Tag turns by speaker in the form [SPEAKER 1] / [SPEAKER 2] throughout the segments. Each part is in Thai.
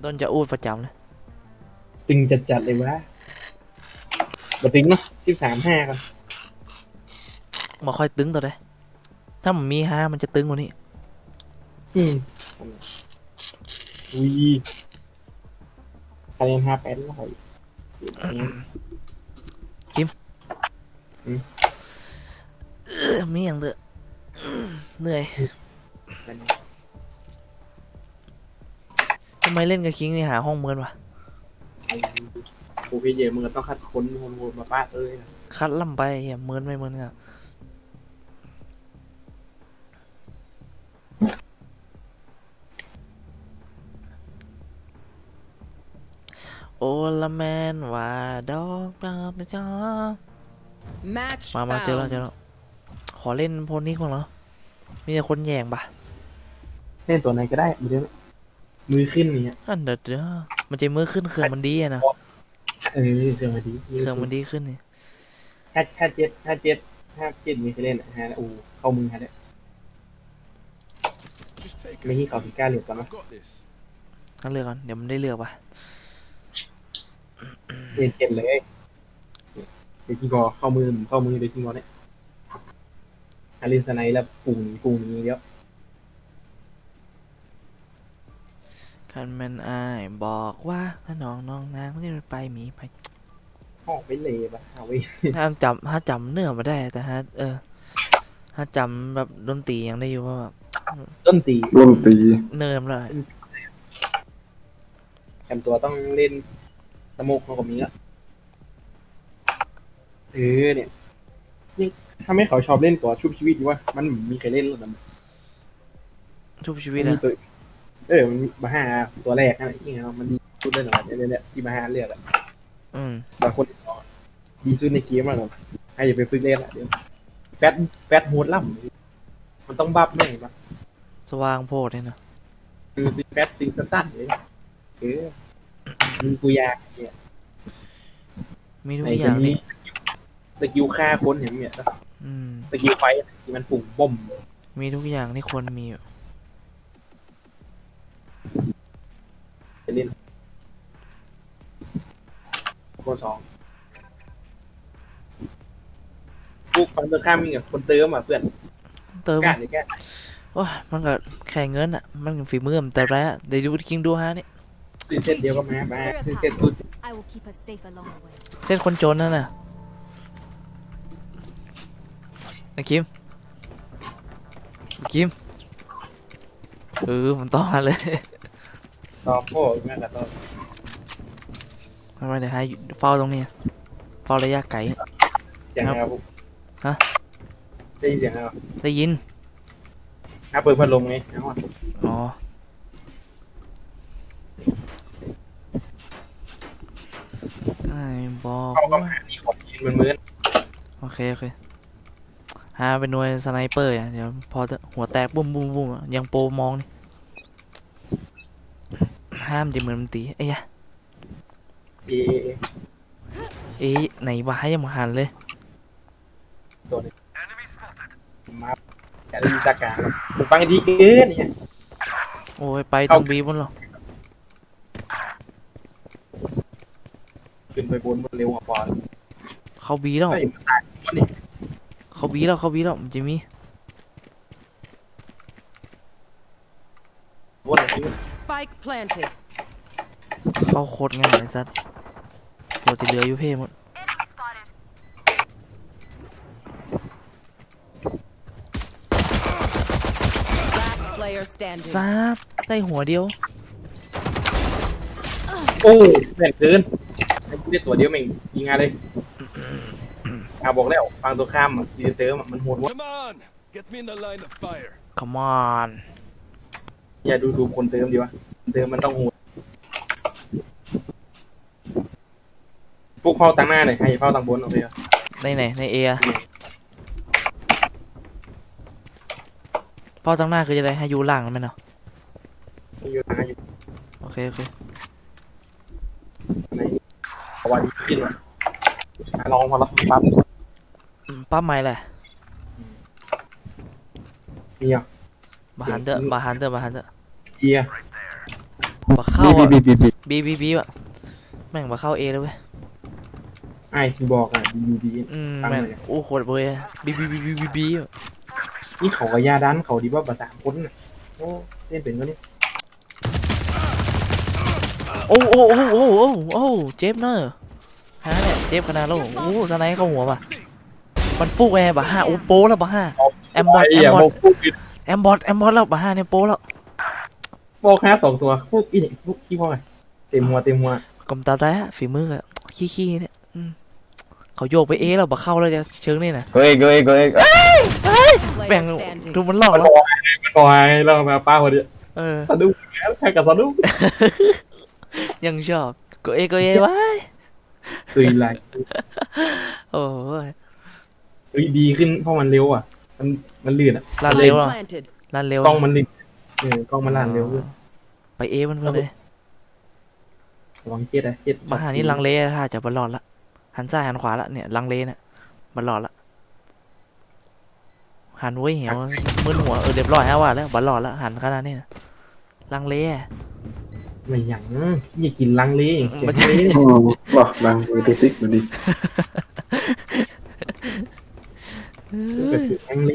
[SPEAKER 1] ต้นจะอูดประจำเลย
[SPEAKER 2] ตึงจัดเลยวะบตึงเนาะ13-5กัน
[SPEAKER 1] มาค่อยตึงตัวได้ถ้ามันมี5มันจะตึงกว่านี้
[SPEAKER 2] อุ้ยคะแนน5-8ร้อย
[SPEAKER 1] กิมมีอย่างเด้อเหนื่อยทำไมเล่นกับคิงนี่หาห้องเมินวะ
[SPEAKER 2] โอเคเยอะมึงก็ต้องคัดค้นมาป้า
[SPEAKER 1] คัดล่ำไปอย่าเมินไม่เมินครับโอละแมนว่าดอกดาวไปจ้ามาเจอแล้วขอเล่นโพนี่ก่อนเหรอมีแต่คนแย่งปะ
[SPEAKER 2] เล่นตัวไหนก็ได้มือขึ้นเนี่ย
[SPEAKER 1] อันเดี๋ยวมันจะมือขึ้นเครื่องมันดีอะนะ
[SPEAKER 2] เครื่องมันดี
[SPEAKER 1] ขึ้นนี่
[SPEAKER 2] ถ้าเจ็ดมีใครเล่นฮะอูเข้ามือฮะเนี่ยไม่ที่เขาพิการเหลือก่อนนะ
[SPEAKER 1] ต้องเลือกก่อนเดี๋ยวมันได้เลือกปะ
[SPEAKER 2] เล่นเจ็ดเลยเดี๋ยวที่กอเข้ามือเดี๋ยวที่กอเนี่ยฮาริสไนแล้วปุ่งนี้เยอะ
[SPEAKER 1] คันแมนอายบอกว่าถ้าน้องนางไม่ได้ไปมีไป
[SPEAKER 2] ออกไปเลยปะเอาไว้
[SPEAKER 1] ถ้าจำเนื้อมาได้แต่ถ้าจำแบบดนตรียังได้อยู่ว่าแบบ
[SPEAKER 2] ดนตรี
[SPEAKER 1] เนิมเลย
[SPEAKER 2] จำตัวต้องเล่นสโมกของผมนี้ละเนี่ยนี่ถ้าไม่เขาชอบเล่นตัวชุบชีวิตดีว่ามันมีใครเล่นหรือเปล่า
[SPEAKER 1] ชุบชีวิตอะ
[SPEAKER 2] มันมาห้าตัวแรกอะไรที่มันดีสุดเลยหน่อยเนี่ยที่มาห้าเลือกอ่ะบางคนดีสุดในเกมอ่ะผมให้อย่าไปฝึกเล่นอ่ะเดี๋ยวแฟตโหดล่ำมันต้องบัฟแน่ปะ
[SPEAKER 1] สว่างโพดเนี่ยนะ
[SPEAKER 2] คือแฟตติงสั้นเลยมีกูยากเนี่ย
[SPEAKER 1] มีทุกอย่างนี่
[SPEAKER 2] สกิลฆ่าคนอย่างเงี้ยสกิลไฟที่มันปุ่งบ่ม
[SPEAKER 1] มีทุกอย่างที่คนมี
[SPEAKER 2] จะเล่นคน2พวกฟันตรงข้ามมีกับคนเติมอ่ะเพื่อน
[SPEAKER 1] เติม
[SPEAKER 2] แก่
[SPEAKER 1] โอ้มันก็แข่งเงินอ่ะมันฝีมือมันแต่แร้เดี๋ยวดูคิงดูฮะนี่
[SPEAKER 2] เส้นเดียวก็มาเส้นตุ๊ด
[SPEAKER 1] เส้นคนจนนั่นน่ะนะคิมมันต้องมาเลย
[SPEAKER 2] ต่อโป้แม่กระต้น
[SPEAKER 1] ทำไมเดี๋ยวให้เฝ้าตรงนี้เฝ้าระยะไกล
[SPEAKER 2] เสียงอะไร
[SPEAKER 1] ฮะ
[SPEAKER 2] ได้ยินเสียงอะไร
[SPEAKER 1] ได้ยิน
[SPEAKER 2] เปิดพัดลมไง
[SPEAKER 1] อ๋อไอ้บอก
[SPEAKER 2] ว่านี่ของยินเหมือน
[SPEAKER 1] โอเคหาเป็นหน่วยสไนเปอร์เดี๋ยวพอหัวแตกบุ้มยังโปรมองนี่ห้ามจะเหมือนมันตีไอ้ยะไหนวะให้ยังมาหันเลย
[SPEAKER 2] ตัวนี้มาแต่ดูจากกลางผมฟังดีเกินเนี่ย
[SPEAKER 1] โอ้ยไปตรงบีบนหรอ
[SPEAKER 2] ขึ้นไปบนเร็วกว่าบอล
[SPEAKER 1] เขาบีแล้วมันจะมีเขาโคตรง่ายเลยสัตว์ตัวจะเหลืออยู่เพ่หมดซาบได้หัวเดียว
[SPEAKER 2] โอ้แรงเกินได้ตัวเดียวเองยิงงานเลยบอกแล้วฟังตัวข้ามดีเตอร์มันโหดวะ
[SPEAKER 1] Come on
[SPEAKER 2] อย่าดูคนเติมดีวะเติมมันต้องโหดพวกเฝ้าตั้งหน้าเลยให้เฝ้าตั้งบนโอเค
[SPEAKER 1] ในเอเฝ้าตั้งหน้าคือจะได้ให้ยูล่างมันไหมเนาะโอเค
[SPEAKER 2] วันขึ้นวะลองพอละ
[SPEAKER 1] ปั๊บใหม่แหละ
[SPEAKER 2] มีอ่ะ
[SPEAKER 1] บาฮันเตอร์
[SPEAKER 2] เฮีย
[SPEAKER 1] ปะเข้า
[SPEAKER 3] บี
[SPEAKER 1] อ่ะ
[SPEAKER 3] บีบีบี
[SPEAKER 1] บีอ่ะแม่งปะเข้าเอเลยเว้ย
[SPEAKER 2] ไอ้ที่บอกอ่ะบี
[SPEAKER 1] แม่งโอ้โหดเลยบี
[SPEAKER 2] นี่เขากับยาดันเขาดีว่าประสามคนน่ะโอ้เล่นเป็นก็นี่
[SPEAKER 1] โอ้เจ็บเนอะฮะเนี่ยเจ็บขนาดแล้วโอ้สไนเข้าหัวป่ะมันฟุกแอร์ป่ะฮะโอ้โป้แล้วป่ะฮะแอมบอทแล้วป่ะฮะเนี่ยโป้แล้ว
[SPEAKER 2] บอกแค่2 ตัวพวกอีนี่พวกขี้พ่อไงเต็มหัว
[SPEAKER 1] กำตาได้อะฝีมืออะขี้เนี่ยเขาโยกไปเอแล้วปะเข้าแล้วจะเชิงนี่นะ
[SPEAKER 3] เฮ้ย
[SPEAKER 1] แบ่ง
[SPEAKER 4] Player standing.
[SPEAKER 1] ดูมันหลอก
[SPEAKER 2] มัน
[SPEAKER 1] แล้ว
[SPEAKER 2] บอกไงแล้วมาป้าคนเดียว สะดุ้งแค่กับสะดุ้ง
[SPEAKER 1] ยังชอบก็เอไว้
[SPEAKER 2] ตื่นไร
[SPEAKER 1] โอ้ย
[SPEAKER 2] ดีขึ้นเพราะมันเร็วอ่ะมันลื่นอ่ะ
[SPEAKER 1] ลั่นเร็ว
[SPEAKER 4] Spike
[SPEAKER 1] อ่ะ
[SPEAKER 4] planted.
[SPEAKER 1] ลั่นเร็ว
[SPEAKER 2] กล้องมันลื่นกล้องมันลั่นเร็ว
[SPEAKER 1] ไปเอมันเลย
[SPEAKER 2] ระวังเจ็ดอะเจ็ด
[SPEAKER 1] มาหานี่ลังเลถ้าจะบอลลอดละหันซ้ายหันขวาละเนี่ยลังเลเนี่ยบอลลอดละหันไว้เหี่ยวมึนหัวเรียบร้อยฮะว่าแล้วบอลลอดละหันขนาดนี้นะลังเล
[SPEAKER 2] ไม่หยังอย่ากินลังเล
[SPEAKER 1] มันจะ
[SPEAKER 3] โอ้บอกดังตัวติ๊กมาดิ
[SPEAKER 2] ลังเล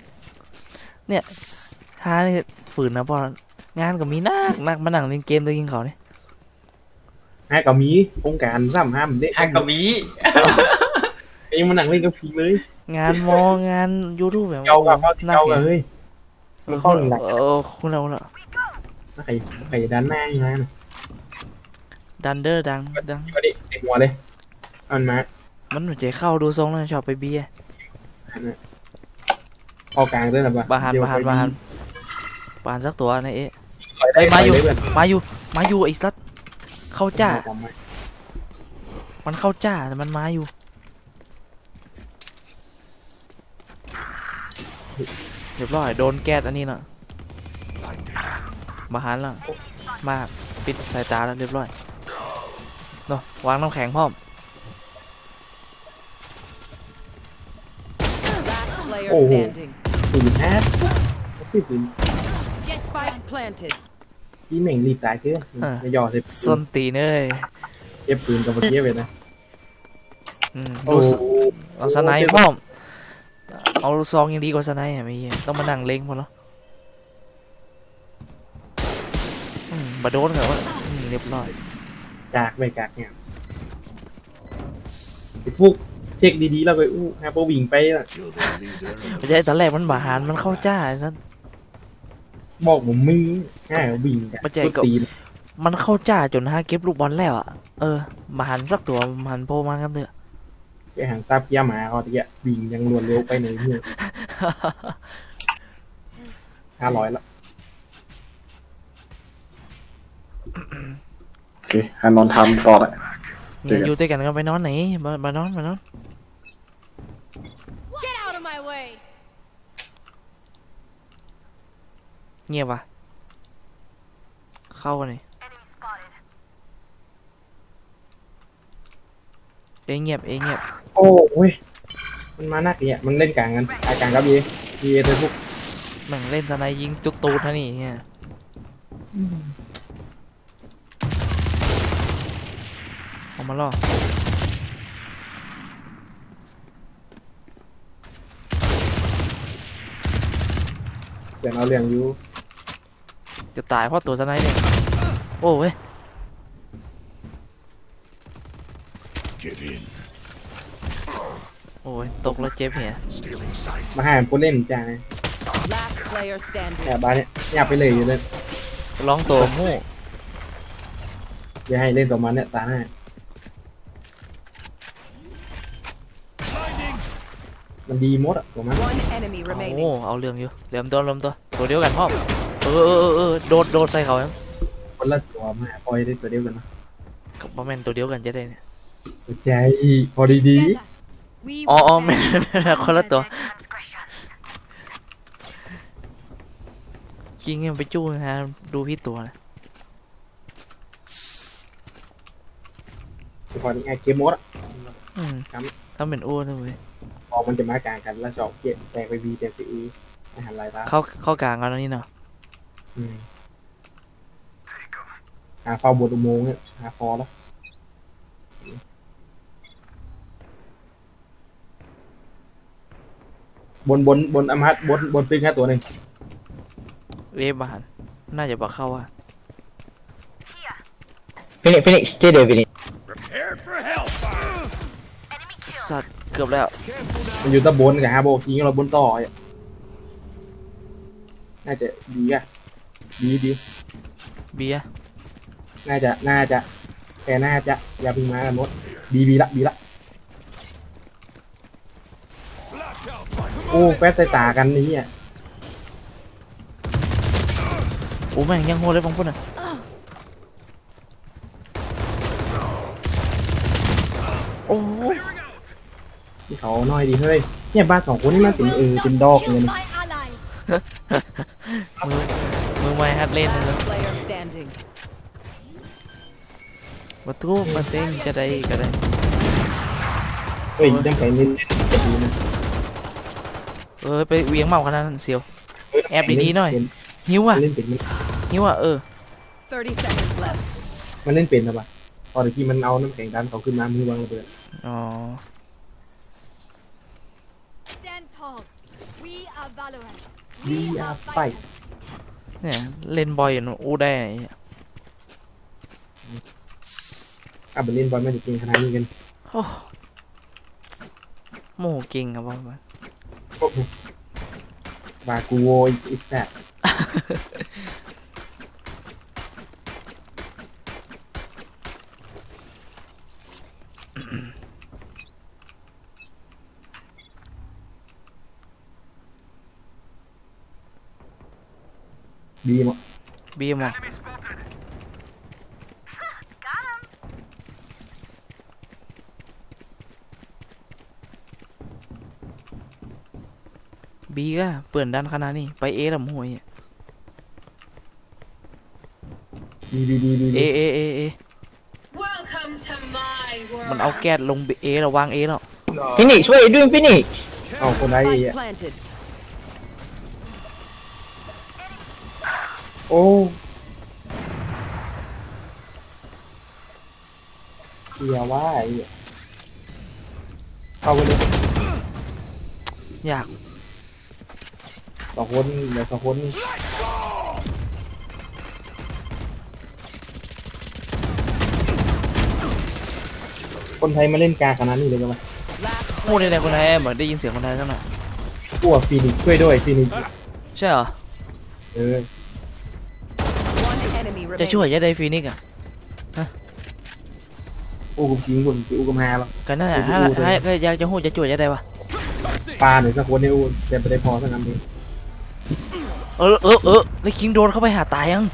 [SPEAKER 1] ฮานี่ฝืนนะพองานก็มีนักมานั่งเล่นเกมตัวยิงเขาเนี่ย
[SPEAKER 2] ให้กับมีองค์การซ้ำห้ามเด็ก
[SPEAKER 5] ฮักกะมี
[SPEAKER 2] เองมานั่งเล่นกับพีเลย
[SPEAKER 1] งานงานยูทูบแบบ
[SPEAKER 2] เจ้ากับเจ้ากับเฮ้ย
[SPEAKER 1] เข้าหลักคุณเราละ
[SPEAKER 2] ใครด้านหน้าอย่างนั้น
[SPEAKER 1] ดันเดอร์ดัง
[SPEAKER 2] ก็ดิเต็มหัวเลยอันมา
[SPEAKER 1] มันเหมือนจะเข้าดูทรงแล้วชอบไปเบีย
[SPEAKER 2] พอกลางด้วยนะ
[SPEAKER 1] บาหันปานสักตัวนะเอ๊ะมาอยู่ไอ้สัตว์เข้าจ้ามันเข้าจ้าแต่มันมาอยู่เรียบร้อยโดนแก๊สอันนี้น่ะบาหันแล้วมาปิดสายตาแล้วเรียบร้อยเนาะวางน้ำแข็งพร้อม
[SPEAKER 4] Last player
[SPEAKER 2] Oh.
[SPEAKER 4] standing.
[SPEAKER 2] ปืนแอดซื้อปืน
[SPEAKER 4] Spike planted.
[SPEAKER 2] ที่เหม่งรีบตายเกินไม่ยอเสร็จ
[SPEAKER 1] ส้นตีนเอ้ย
[SPEAKER 2] เก็บปืนกับเมื่อกี้ไปนะ
[SPEAKER 1] ดูเอาสไนป์พร้อมเอาลูกซองยังดีกว่าสไนป์อ่ะไม่เหี้ยต้องมานั่งเล็งพอแล้วบาโดนเหรอวะเรียบร้อย
[SPEAKER 2] กากไม่กากเนี่ยพวกเช็คดีๆแล้วไปฮะพอวิ่งไป
[SPEAKER 1] ไม่ใช่ตอนแรกมันบาหารมันเข้าจ้าไอ้สัส
[SPEAKER 2] บอกผมมึงง่ายวิ่งกันตีน
[SPEAKER 1] มันเข้าจ้าจนฮะเก็บลูกบอลแล้วอ่ะบาหารสักตัวหันโพมากันเถอะ
[SPEAKER 2] ไปหางซาบเกียร์หมาเขาตะเกียบวิ่งยังรวดเร็วไปในเมือง500ละ
[SPEAKER 3] โอเคฮันนอนทำต่อละ
[SPEAKER 1] เนี่ยอยู่ด้วยกันกันไปนอนไหนมานอน
[SPEAKER 6] Get out of my way!
[SPEAKER 1] เงียบว่ะเข้ากันเลยเงียบ
[SPEAKER 2] โอ้ยมันมาหนักเนี่ยมันเล่นกลางกันกลางครับเย่เลยพวก
[SPEAKER 1] แม่งเล่นสไนยิงจุกตูดท่านี่เนี่ยเอามาล่อ
[SPEAKER 2] เดี๋ยวเอาเรื่องอยู่
[SPEAKER 1] จะตายเพราะตัวสไนเนี่ยโอ้เว้ย
[SPEAKER 7] Give in.
[SPEAKER 1] โอ้ยตกแล้วเจ็บเหี้ย
[SPEAKER 7] Stealing sight.
[SPEAKER 2] มาหาผู้เล่นจ้า
[SPEAKER 4] Last player standing.
[SPEAKER 2] เนี่ยบ้านเนี่ยอยากไปเลยอยู่เลย
[SPEAKER 1] ร้องตัวมู่
[SPEAKER 2] อย่าให้เล่นต่อมาเนี่ยตาหน้ามันดีมดอ่ะตัวมัน
[SPEAKER 4] One enemy
[SPEAKER 1] โอ้
[SPEAKER 4] remaining.
[SPEAKER 1] เอาเรื่องอยู่เริ่มตัวเดียวกันพ่อมโดดใส่เขาครับ
[SPEAKER 2] คนละตัวมาปล่อยได้ตัวเดียวกันนะ
[SPEAKER 1] กับประมาณตัวเดียวกันจะได้เนี่ย
[SPEAKER 2] ใจพอดี
[SPEAKER 1] อ๋อแม่คนละตัวคิงยังไปจู้ฮะดูพี่ตัวนะ
[SPEAKER 2] พอดีไอเกมมดอ่ะ
[SPEAKER 1] ถ้าเป็นอ้วนนะเว้ย
[SPEAKER 2] พอมันจะมากลางกันแล้วชอบเก็บแตกไปบีแตกไปอีอาหารลายตา
[SPEAKER 1] เข้ากลางกันแล้วนี่เนาะ
[SPEAKER 2] หาเฝ้าบนอุโมงค์เนี่ยหาพอแล้วบนอมฮัตบนฟิกแค่ตัวหนึ่ง
[SPEAKER 1] เวฟบานน่าจะบักเข้าอ่ะ
[SPEAKER 5] Phoenix, stay there, Phoenix.
[SPEAKER 7] Prepared for hellfire.
[SPEAKER 1] สัตว์เกือบแล้ว
[SPEAKER 2] มันอยู่ตะบนกับฮาโบคิงเราบนต่ออ่ะน่าจะดีอ่ะดี
[SPEAKER 1] เบียร์
[SPEAKER 2] น่าจะแต่น่าจะอย่าเพึ่งมากันมดบีละ
[SPEAKER 7] Flash out. Come
[SPEAKER 2] โอ้แป๊ดใส่ตากันนี้อ่ะ
[SPEAKER 1] โอ้แม่งยังโหดเลยบางคนอ่ะโอ้
[SPEAKER 2] ที่เขาน้อยดีเฮ้ยเนี่ยบ้านสองคนนี่มันเป็นดอกเลย
[SPEAKER 1] มือไม่ฮัดเล่นเลย
[SPEAKER 4] Last player standing.
[SPEAKER 1] ประตูมาเต้งจะได้ก็ได้
[SPEAKER 2] เฮ้ยน้ำแข็งนี่จะดีนะ
[SPEAKER 1] ไปเวียงเมาขนาดนั้นเสียว แอบดีๆหน่อย หิวอ่ะ
[SPEAKER 2] มันเล่นเป็น
[SPEAKER 1] หิวอ่ะ
[SPEAKER 4] 30 seconds left.
[SPEAKER 2] มันเล่นเป็นหรอปะตอนที่มันเอาน้ำแข็งดันเขาขึ้นมามือวางระเบิด
[SPEAKER 1] อ๋อ
[SPEAKER 6] Stand tall. We are Valorant.
[SPEAKER 2] ดีอาไฟ
[SPEAKER 1] เนี่ยเล่นบอยอยู่นู่นอู้ได้ไงเนี่ย
[SPEAKER 2] ไปเล่นบอลไม่จะกินขนาดนี้กัน
[SPEAKER 1] โอ้โมโหเก่งครับว่า
[SPEAKER 2] บากูโวอีกแซ่ดีมั้ง
[SPEAKER 1] เบียร์มาบีก็เปิดด้านขนาดนี้ไปเอลำหวยอะ
[SPEAKER 2] ดี
[SPEAKER 1] เอ
[SPEAKER 6] Welcome to my
[SPEAKER 1] มันเอาแก๊สลงเอแล้ววางเอแล้ว
[SPEAKER 5] Phoenix, what are you doing, Phoenix?
[SPEAKER 2] เอาคนได้
[SPEAKER 4] Spike
[SPEAKER 2] อ่ะ
[SPEAKER 4] planted.
[SPEAKER 2] โอ้เสียว่าไอ้เข้าไปเลย
[SPEAKER 1] อยาก
[SPEAKER 2] สองคนเหลือสองคนคนไทยมาเล่นกาขนาดนี้เลยกันไหม
[SPEAKER 4] Last
[SPEAKER 1] พูด
[SPEAKER 4] player
[SPEAKER 1] ในคนไทยเหมือนได้ยินเสียงคนไทยสักหน่อย
[SPEAKER 2] พวกฟีนิกซ์ช่วยด้วยฟีนิกซ์
[SPEAKER 1] ใช่เหรอ
[SPEAKER 4] one enemy
[SPEAKER 1] จะช่วย
[SPEAKER 4] remaining.
[SPEAKER 1] จะได้ฟีนิกซ์อ่ะ
[SPEAKER 2] อู้กุมชิงบุญอู้กุมฮาแล้ว
[SPEAKER 1] กันนั่นแหละถ้าอยากจะหูจะช่วยจะได้ปะ
[SPEAKER 2] ปลาหน่อยสักคนเนี่ยอู้แต่ไม่ได้พอสักคำนี้
[SPEAKER 1] แล้วคิงโดนเข้าไปหาตายยัง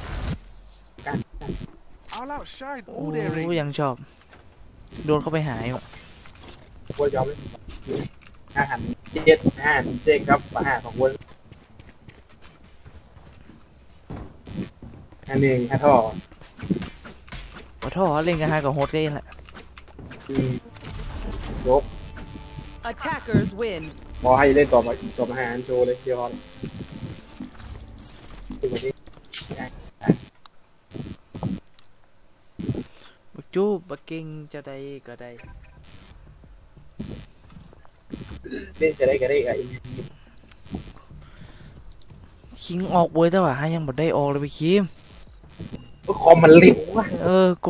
[SPEAKER 7] I'll outshine
[SPEAKER 1] โอ้
[SPEAKER 7] all their aim.
[SPEAKER 1] ยังชอบ โดนเข้าไปหายว่ะ
[SPEAKER 2] พวกยอมเลยอาหารเจ็ดครับอาหารของคนอันนี้ฮะท่อ
[SPEAKER 1] ขอโทษเล่นกันฮากับโฮสเล่นแหละ
[SPEAKER 2] ยก
[SPEAKER 4] Attackers win.
[SPEAKER 2] พอให้เล่นต่อมาอาหารโชว์เลยเดี๋ยวพอตัวนี้
[SPEAKER 1] บักจูบักเก่งจะได้ก็ได้
[SPEAKER 2] เล่นจะได้ก็ได้ไอ้
[SPEAKER 1] คิงออกเว้ยแต่ว่ายังบ่ได้ออกเลยไปคิม
[SPEAKER 2] คอมมันเร็วว่ะ
[SPEAKER 1] ก